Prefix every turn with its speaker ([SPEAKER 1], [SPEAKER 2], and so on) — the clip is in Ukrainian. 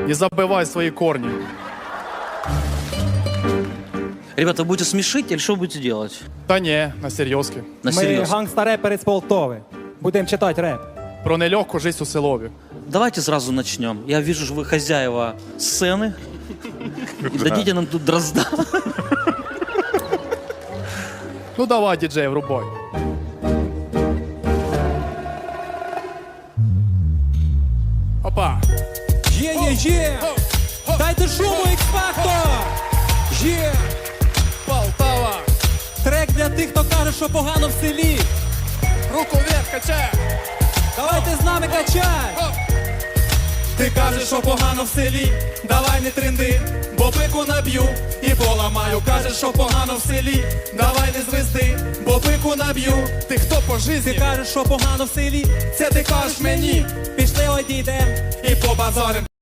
[SPEAKER 1] Не забывай свои корни.
[SPEAKER 2] Ребята, вы будете смешить или что будете делать?
[SPEAKER 1] Та не, на серйозки.
[SPEAKER 2] На
[SPEAKER 3] Ми
[SPEAKER 2] серьез.
[SPEAKER 3] гангста-репери з Полтови. Будемо читати реп.
[SPEAKER 1] Про нелегку жизнь у селові.
[SPEAKER 2] Давайте сразу начнем. Я вижу, что вы хозяева сцены. Дадите нам тут дрозда.
[SPEAKER 1] Ну давай, діджей, врубай. Опа.
[SPEAKER 3] Є! Дайте шуму, X-Factor! Є!
[SPEAKER 1] Полтава.
[SPEAKER 3] Трек для тих, хто каже, що погано в селі.
[SPEAKER 1] Руку вверх, качай.
[SPEAKER 3] Давайте з нами качай! Ти кажеш, що погано в селі, давай не тренди, бо пику наб'ю і поламаю. Кажеш, що погано в селі, давай не звезди, бо пику наб'ю.
[SPEAKER 1] Ти хто по
[SPEAKER 3] Ти
[SPEAKER 1] житті?
[SPEAKER 3] кажеш, що погано в селі, це ти кажеш мені. Пішли одійдем і побазарим.